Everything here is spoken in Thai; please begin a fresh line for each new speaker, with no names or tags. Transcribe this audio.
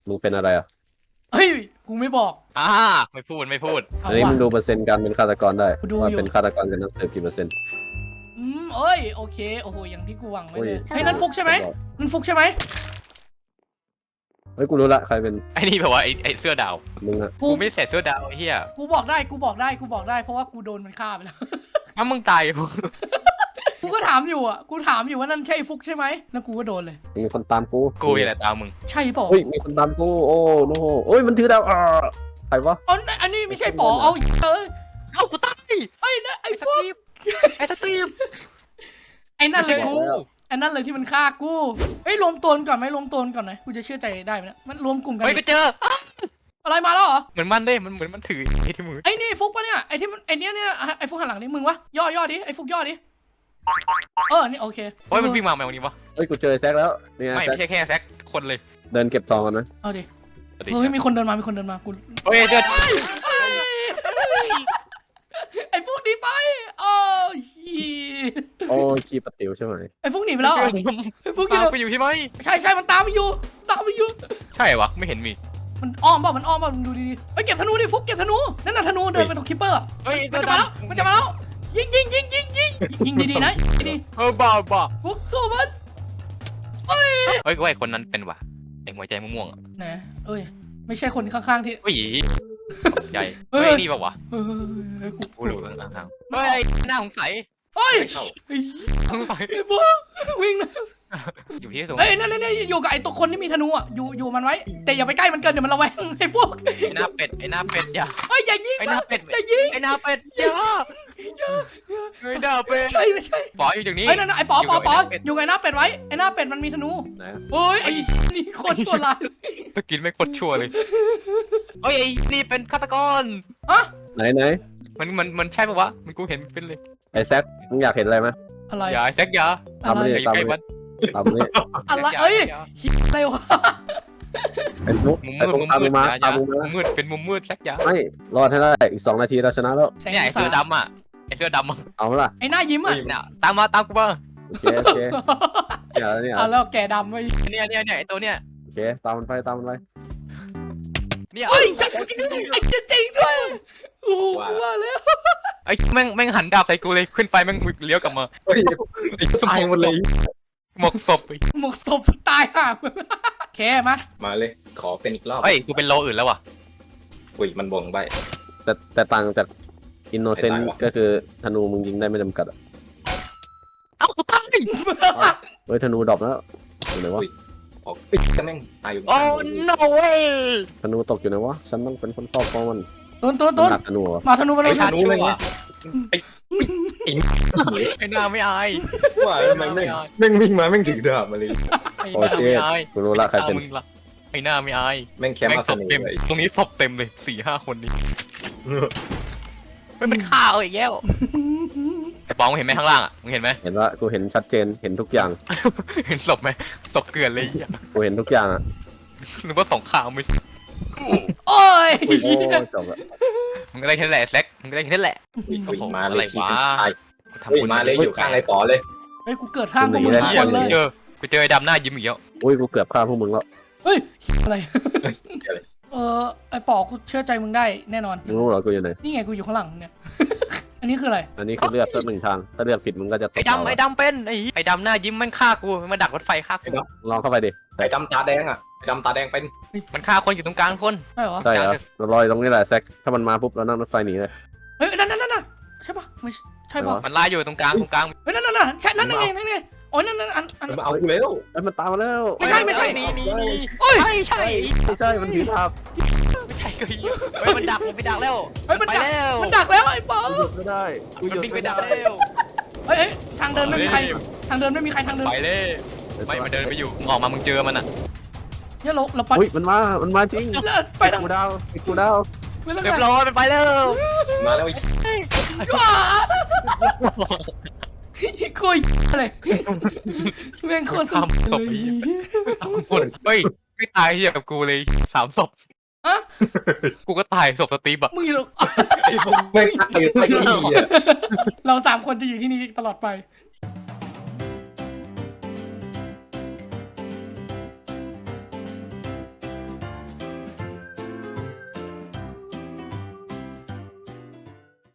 มึงเป็นอะไรอ่ะ
เฮ้ยกูไม่บอก
อ่าไม่พูดไม่พูด
เอา
อันนี้มึง
ว่ะ
ดูเปอร์เซ็นต์การเป็นฆาตกรได้
ดู
ว่า
อยู่
เป็นฆาตกรกับนักสืบกี่เปอร์เซ็นต์
เอ้ยโอเคโอ้โหอย่างที่กูหวังไว้เลย
โอ้ย
เฮ้ยนั่นฟุกใช่ไหมนั่นฟุกใช่ไหม
เฮ้ยกูรู้ละใครเป็น
ไอ้นี่แบบว่าไอ้เสื้อดาว
มึงอะ
กู
กูไม่ใส่เสื้อดาวไอ้เหี้ย
กูบอกได้กูบอกได้กูบอกได้เพราะว่ากูโดนมันฆ่าไปแล้ว
ถ้ามึงตาย
กูก็ถามอยู่อ่ะกูถามอยู่ว่านั่นใช่ฟุกใช่ไหมแล้วกูก็โดนเลย
มีคนตามกู
กูอย่าไรตามมึง
ใช่เปล่า
เฮ้ยมีคนตามกูโอ้โนโอ้ยมันถือดาวใครวะ
อ๋ออันนี้ไม่ใช่ป๋อเอาเอ้ย
เอ้ากูตาย
ไอ้นะไอ้
ไอ้ส
ฟุก
ตีฟไอ้สตีฟ
ไอ้นั่น
ไม่
เล
ใช่
ย
กู
ไอ้นั่นเลยที่มันฆ่ากูเฮ้ยรวมตัวกันก่อนไหมรวมตัวกันก่อนนะกูจะเชื่อใจได้ไหมเนะมันรวมกลุ่มกัน
เฮ้ยกูเจอ
อะไรมาแล้วเหรอ
เหมือนมันเด้มันเหมือนมันถือไอ้ที่มือ
ไอ้นี่ฟุกปะเนี่ยไอ้ที่มันไอ้เนี้ยไอ้ฟุกหันหลังนี่มึงวะย่อดิไอ้ฟุกย่อดินี่โอเค
โอ้ยมันวิ่งมาไหมวันนี้วะ
เฮ้ยกูเจอแซกแล้วเนี่ย
ไม่
แซก
ใช่แค่แซกคนเลย
เดินเก็บทองกันนะ
เอาดิเฮ้ยมีคนเดินมามีคนเดินมากู
เฮ้ยเจอ
ไอ้ฟุกหนีไปโอ้ชี
โอ้ขี้ปะติ๋วใช่ไหม
ไอ้ฟุกหนีไปแล้วเหรอไอ้ฟุกหนี
ตามไปอยู่ใช่ไหม
ใช่มันตามไปอยู่
ใช่วะไม่เห็นมี
มันอ้อมเปล่ามันอ้อมเปล่ามึงดูดีๆเฮ้ยเก็บธนูดิฟุกเก็บธนูนั่นน่ะธนูเดินไปตรงคิปเปอร์อะ
เฮ้ย
มันจะมาแล้วยิงดีๆนะดี
บ้า
ๆฟุกสู้มัน
เฮ้ยกูไอ้คนนั้นเป็นวะไอ้หัวใจม่วงๆอ่ะ
นะเอ้ยไม่ใช่คนข้างๆที่
เฮ้ยใหญ่
เฮ้
เฮ้
ย
ยนี่แบบวะ
เฮ้ยกู
กูรู้ข้างๆเฮ้ยหน้าสงสัย
เฮ้ย
ไม่เข้าสงสัย
ไอ้ฟุกวิ่งนะ
อยู่ที่ตรง
เอ้ยนั่นอยู่กับไอ้ตัวคนที่มีธนูอ่ะอยู่มันไว้แต่อย่าไปใกล้มันเกินเดี๋ยวมันระแวงไอ้พวก
ไอ้หน้าเป็ดอย่า
เฮ้ยอย่ายิง
ไอ้ห
มั
น้าน เป็ด
อย่ายิง
ไอ้หน้าเป็ดอย่าไอ้หน้าเป็ด
ไม่ใช่
ปออยู่ตรงนี้
ไอ้นั่นไอ้ป๋อ
อยู่กับไอ้หน้าเป็ด
อยู่กับไอ้หน้าเป็ดไว้ไอ้หน้าเป็ดมันมีธนู
ไหน
เฮ้ยไอ้นี่โคตรชั่วร้าย
ไปกินไม่โคตรชั่วเลยเฮ้ยไอ้นี่เป็นฆาตกร
ไหน
มันใช่ปะวะมันกูเห็นเป็นเลย
ไอ้แซกมึงอยากเห็นอะไรไหม
อะไร
อย่าไอ้แซกอย่า
อะไร
ทำเลย
ไอ้ไก่วัน
ตามนี้
อะไรเอ้ยอะไรวะ
ไอ้ฟุก
มุม
ไอ้
มืด
ฟุก
มุม
ตาม
มื
มึ
ด
งมา
อย่า
ตามมึงมา
มุมมืดเป็นมุมมืดแซกอย่า
ไม่รอดให้ได้อีก2 นาทีเราชนะแล้ว
แสง
เนี่ยไอ้
สา
เสื้อดำอ่ะไอ้เสื้อดำอ่ะ
เอาละ
ไอ้หน้ายิ้มอ่ะ
เนี่ยตามกูมา
โอเคเนี่ย
เอาแล้วแกดำไป
เนี่ยไอ้ตัวเนี่ย
โอเคตามมันไปตามมันไป
เนี่ย
เฮ้ยไอ้จริงด้วยโอ้กูว่าแล้ว
ไอ้แม่งหันดาบใส่กูเลยขึ้นไฟแม่งเลี้ยวกลับมา
ตายหมดเลย
หมกศพ
หมกศพตายห่าแค่มา
มาเลย ขอเป็นอีกรอบ
เฮ้ยกูเป็นโลอื่นแล้วว่ะ
อุ้ยมันบ่งใบ
แต่ต่างจากอินโนเซน
ไม่
ต์
ตายวะ
ก็คือธนูมึงยิงได้ไม่จำกัดอะ
เอ้ากูตาย
เฮ้ยธนูดรอปแล้วอยู่ไหนวะ
ออกปิ๊กก็แม่งตายอยู่
โอ้ no way
ธนูตกอยู่ไหนวะฉันต้องเป็นคนครอบครองมัน
ต้น
หนักธนูเหรอ
มาธนูมา
ไอ้
เลย
ชาติชั่ว
ไอ้
ไอ้หน้าไม่อาย
ว่าทำไมแม่งแม่งวิ่งมาแม่งถือดาบมาเลย
ไอ้หน้าไม่อาย
กูรู้ละใครเป็น
มึงละไอ้หน้าไม่อาย
แม่งแคม
แม่ง
ป์
ศ
มา
พ
เส
เต็ม
นเลย
ตรงนี้ศพเต็มเลย4-5 คนนี้มันฆ่าเอาอีกแล้วไอ้ปองมึงเห็นไหมข้างล่างอ่ะมึงเห็นไหม
เห็นว่ากูเห็นชัดเจนเห็นทุกอย่าง
เห็นศพไหมศพเกลือนเลยอ่ะ
กูเห็นทุกอย่างอ่ะ
หรือว่าสงครามไม่
โอ้ย
โอ้จบละ
มึงก็ได้แค่นั้นแหละแซกมึงก็ได้แค่นั้นแหละ
อุ้ยมา
อะ
เล
ไร
ยชี
วะ
ตาย
กูทำ
อุ้ย
บุญ
มาเลยอยู่ข้างไอ้ป๋อเลย
เฮ้ยกูเกิดข้างพวกมึงทุกคนเลย
กูเจอไอ้ดำหน้ายิ้มอีกแล้ว
อุ้ยกูเกือบฆ่าพวกมึงแล้ว
เฮ้ยอะไรไอ้ป๋อกูเชื่อใจมึงได้แน่นอน
มึงรู้เหรอกูอยู่ไหน
นี่ไงกูอยู่ข้างหลังเนี่ย อันนี้คืออะไร
อันนี้คือเลือกสัก1 ทางถ้าเลือกผิดมึงก็จะตก
ไอ้ดำเป็นไอ้ดำหน้ายิ้มมันฆ่ากูมันดักรถไฟฆ่ากู
ลองเข้าไปดิ
ไอ้ดำตาแดงอ่ะไอ้ดำตาแดงเป็น
มันฆ่าคนอยู่ตรงกลางคน
ใช่เหรอ
ใช่เหรอเราลอยตรงนี้แหละแซกถ้ามันมาปุ๊บเรานั่งรถไฟหนีเลย
เฮ้ยนั่นใช่ปะไม่ใช่ปะ
มันล่าอยู่ตรงกลาง
เฮ้ยนั่นใช่นั่นไงโอ้ยนั่นอัน
มันมาเอากูแล้ว
ไอ้ยมันตามมาแล้ว
ไม่ใช่
นี่
โอ้ย
ใช่
ไม่ใช่มันถือดาบ
ไม่ใช่ก็ยิงเฮ้ยมันดักมันไปดักแล้ว
เฮ้ยมัน
ไป
ดัก
แล้ว
มันดักแล้วไอ้ป๋อ
กูหยุดไม่ได้กู
มัน
หยุด
วิ่งไป
ไม่
ดั
ได้
กแล้ว
เฮ้ยทางเดินไม่มีใครทางเดินไม่มีใครทางเดิน
ไปเลยไม่มันเดินไปอยู่มึงออกมามึงเจอมันอ่ะ
เนี่ยเราไป
อุ้ยมันมาจริง
ไปทาง
กูดาวกูดาว
ไปทาง
เรียบร้อยมันไปแล้ว
มาแล้วไอ้
ว้าโคตรอะไรแม่งโคตรสุดเลย
เฮ้ยไม่ตายเหี้ยกับกูเลย3 ศพ
อะ
กูก็ตายศพสตีฟอะ
มึงอยู่
ไอ้พวกแม่งตายอยู่ใต้เก้าอี้อ่ะ
เรา3 คนจะอยู่ที่นี่ตลอดไป